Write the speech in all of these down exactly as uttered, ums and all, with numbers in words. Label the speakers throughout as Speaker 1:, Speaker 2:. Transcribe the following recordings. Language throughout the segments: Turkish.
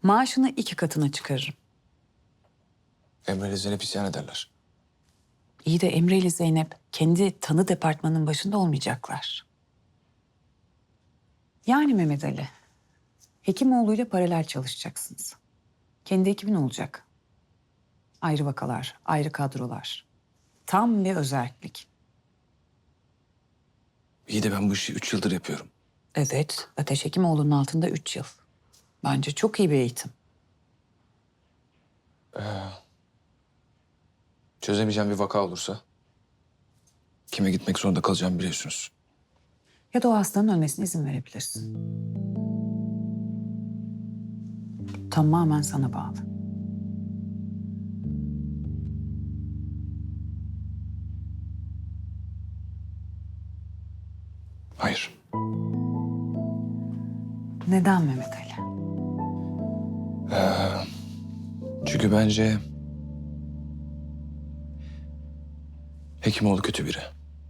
Speaker 1: Maaşını iki katına çıkarırım.
Speaker 2: Emre ile Zeynep isyan ederler.
Speaker 1: İyi de Emre ile Zeynep kendi tanı departmanının başında olmayacaklar. Yani Mehmet Ali, Hekimoğlu'yla paralel çalışacaksınız. Kendi ekibin olacak. Ayrı vakalar, ayrı kadrolar. Tam bir özellik.
Speaker 2: İyi de ben bu işi üç yıldır yapıyorum.
Speaker 1: Evet, Ateş Hekimoğlu'nun altında üç yıl. Bence çok iyi bir eğitim.
Speaker 2: Çözemeyeceğim bir vaka olursa kime gitmek zorunda kalacağımı biliyorsunuz.
Speaker 1: Ya da o hastanın ölmesine izin verebilirsin. Tamamen sana bağlı.
Speaker 2: Hayır.
Speaker 1: Neden Mehmet Ali?
Speaker 2: Çünkü bence Hekimoğlu kötü biri.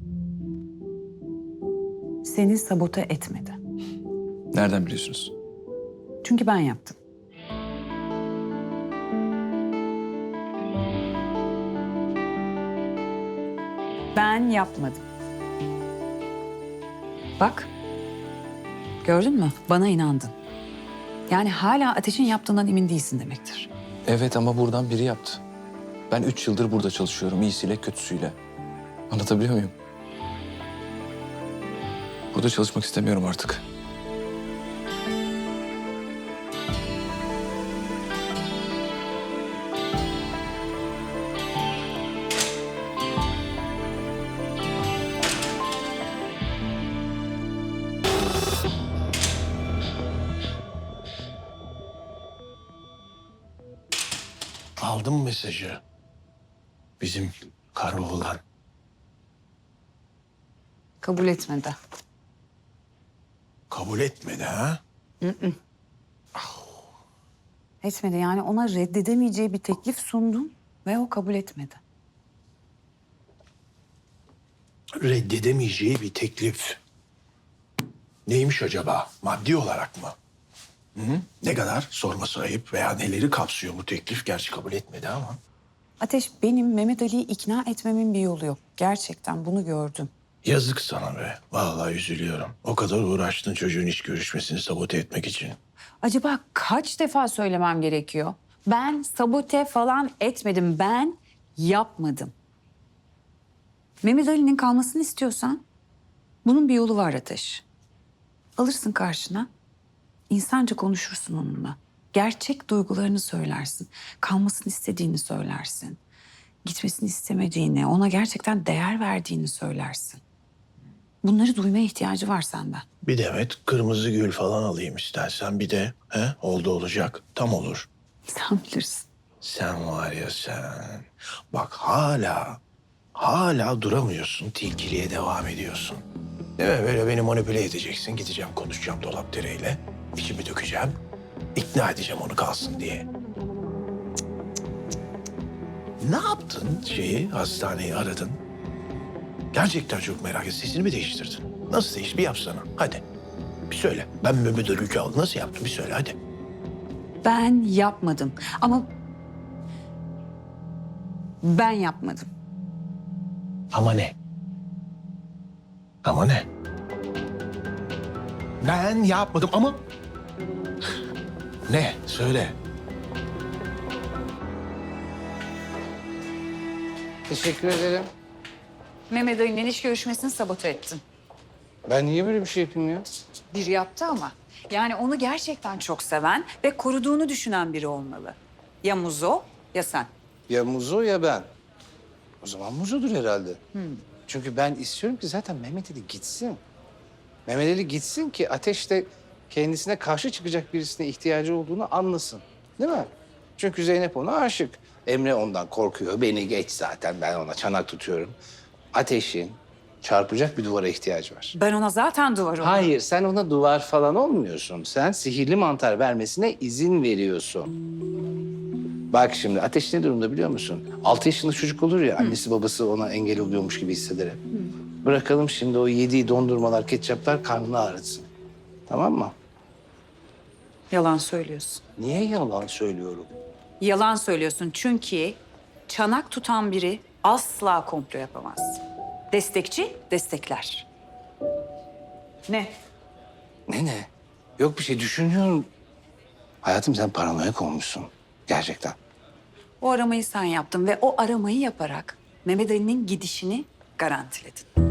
Speaker 1: Seni sabote etmedi.
Speaker 2: Nereden biliyorsunuz?
Speaker 1: Çünkü ben yaptım. Ben yapmadım. Bak. Gördün mü? Bana inandın. Yani hala Ateş'in yaptığından emin değilsin demektir.
Speaker 2: Evet ama buradan biri yaptı. Ben üç yıldır burada çalışıyorum. İyisiyle kötüsüyle. Anlatabiliyor muyum? Burada çalışmak istemiyorum artık.
Speaker 3: Aldın mı mesajı? Bizim karı oğlan.
Speaker 1: Kabul etmedi.
Speaker 3: Kabul etmedi ha?
Speaker 1: Etmedi yani ona reddedemeyeceği bir teklif sundum ve o kabul etmedi.
Speaker 3: Reddedemeyeceği bir teklif. Neymiş acaba? Maddi olarak mı? Hı? Ne kadar? Sorması ayıp veya neleri kapsıyor bu teklif? Gerçi kabul etmedi ama.
Speaker 1: Ateş, benim Mehmet Ali'yi ikna etmemin bir yolu yok. Gerçekten bunu gördüm.
Speaker 3: Yazık sana be. Vallahi üzülüyorum. O kadar uğraştın çocuğun iş görüşmesini sabote etmek için.
Speaker 1: Acaba kaç defa söylemem gerekiyor? Ben sabote falan etmedim. Ben yapmadım. Mehmet Ali'nin kalmasını istiyorsan bunun bir yolu var Ateş. Alırsın karşına. İnsanca konuşursun onunla. Gerçek duygularını söylersin. Kalmasını istediğini söylersin. Gitmesini istemediğini, ona gerçekten değer verdiğini söylersin. Bunları duymaya ihtiyacı var senden.
Speaker 3: Bir demet kırmızı gül falan alayım istersen. Bir de he, oldu olacak. Tam olur.
Speaker 1: Sen bilirsin.
Speaker 3: Sen var ya sen. Bak hala, hala duramıyorsun. Tilkiliğe devam ediyorsun. Değil mi? Böyle beni manipüle edeceksin. Gideceğim konuşacağım dolap direğiyle. İçimi dökeceğim. İkna edeceğim onu kalsın diye. Cık, cık, cık. Ne yaptın şeyi, hastaneyi aradın? Gerçekten çok merak ettim. Sesini mi değiştirdin? Nasıl değişti? Bir yapsana. Hadi. Bir söyle. Ben Mehmet Ali aldım. Nasıl yaptın? Bir söyle hadi.
Speaker 1: Ben yapmadım. Ama ben yapmadım.
Speaker 3: Ama ne? Ama ne? Ben yapmadım ama... Ne? Söyle.
Speaker 4: Teşekkür ederim.
Speaker 1: Mehmet Ali'nin iş görüşmesini sabote ettin.
Speaker 4: Ben niye böyle bir şey yapayım ya?
Speaker 1: Bir yaptı ama. Yani onu gerçekten çok seven ve koruduğunu düşünen biri olmalı. Ya Muzo ya sen.
Speaker 4: Ya Muzo ya ben. O zaman Muzo'dur herhalde. Çünkü ben istiyorum ki zaten Mehmet Ali gitsin. Mehmet Ali gitsin ki Ateş de kendisine karşı çıkacak birisine ihtiyacı olduğunu anlasın. Değil mi? Çünkü Zeynep ona aşık. Emre ondan korkuyor. Beni geç zaten. Ben ona çanak tutuyorum. Ateş'in çarpacak bir duvara ihtiyacı var.
Speaker 1: Ben ona zaten duvar oldum.
Speaker 4: Hayır, sen ona duvar falan olmuyorsun. Sen sihirli mantar vermesine izin veriyorsun. Bak şimdi Ateş ne durumda biliyor musun? Altı yaşında çocuk olur ya, annesi babası ona engel oluyormuş gibi hisseder hep. Bırakalım şimdi o yediği dondurmalar, ketçaplar karnını ağrıtsın. Tamam mı?
Speaker 1: Yalan söylüyorsun.
Speaker 4: Niye yalan söylüyorum?
Speaker 1: Yalan söylüyorsun çünkü çanak tutan biri asla komplo yapamaz. Destekçi destekler. Ne?
Speaker 4: Ne ne? Yok bir şey düşünüyorum. Hayatım sen paranoyak olmuşsun. Gerçekten.
Speaker 1: O aramayı sen yaptın ve o aramayı yaparak Mehmet Ali'nin gidişini garantiledin.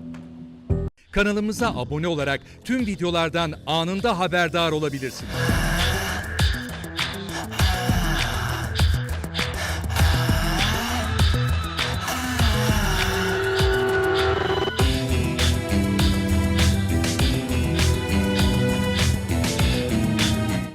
Speaker 5: Kanalımıza abone olarak tüm videolardan anında haberdar olabilirsiniz.